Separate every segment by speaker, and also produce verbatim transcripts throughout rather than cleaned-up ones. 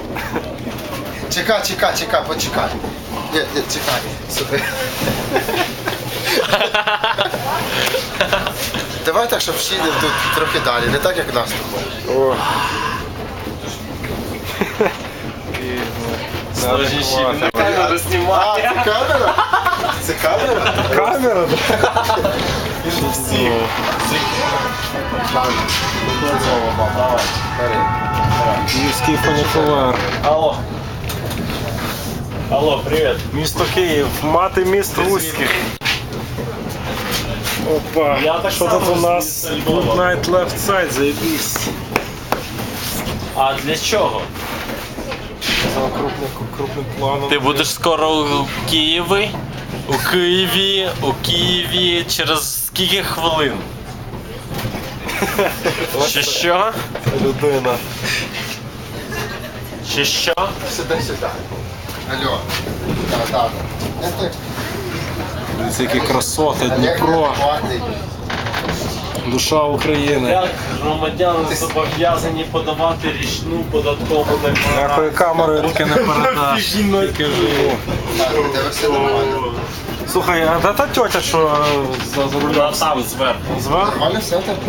Speaker 1: Чекай, чекай, чекай, почекай. Ні, ні, чекай. Сюди. Давай так, щоб всі тут трохи далі, не так, як нас тут.
Speaker 2: О.
Speaker 3: Камеру знімати.
Speaker 1: А, це камера? Це камера?
Speaker 2: Камера, да?
Speaker 1: Всі.
Speaker 2: Київський фунікулер.
Speaker 3: Алло. Алло, привет.
Speaker 2: Місто Київ, мати міст руських. Опа,
Speaker 3: Я так
Speaker 2: що
Speaker 3: само
Speaker 2: тут у
Speaker 3: з
Speaker 2: нас?
Speaker 3: міста Львова.
Speaker 2: Good night left side, заєбісь.
Speaker 3: А для чого?
Speaker 2: За крупним, крупним планом.
Speaker 4: Ти будеш скоро у Києві? У Києві, у Києві через скільки хвилин? Чи що?
Speaker 2: Людина.
Speaker 4: Чи що?
Speaker 1: Сюди, сюди. Алло. Так, так.
Speaker 2: Дивіться, які красоти,
Speaker 1: Олег
Speaker 2: Дніпро,
Speaker 1: неадекватний.
Speaker 2: душа України.
Speaker 3: Як громадяни зобов'язані подавати річну податкову
Speaker 2: Якої
Speaker 3: декларацію?
Speaker 2: камерою руки не передаш, тільки живу.
Speaker 1: Так, у тебе все нормально.
Speaker 2: Слухай, а де та тьотя, що за, за рулем?
Speaker 3: Там зверху.
Speaker 2: Зверху?
Speaker 1: Нормально все так?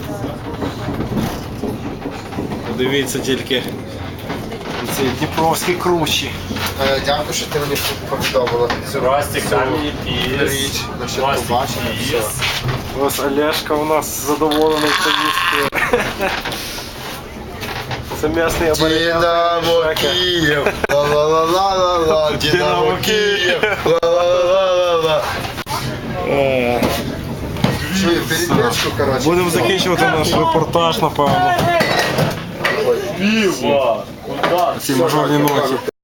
Speaker 2: Дивіться тільки ці дніпровські кручі.
Speaker 1: Е, Дякую, що ти мені повідомила цю
Speaker 3: Ростик,
Speaker 1: цю
Speaker 3: камінь, піс.
Speaker 1: річ, насчет побачення. Все.
Speaker 2: Ось Олешка у нас задоволений поїздкою. Це м'ясний абориген.
Speaker 1: Динамо Київ, ла-ла-ла-ла-ла, Динамо Київ, ла-ла-ла-ла-ла.
Speaker 2: Е,
Speaker 1: Чую, передержку, коротше.
Speaker 2: Будемо закінчувати наш репортаж, напевно.
Speaker 3: Піва! Куда?
Speaker 2: Ці мажорні ноги.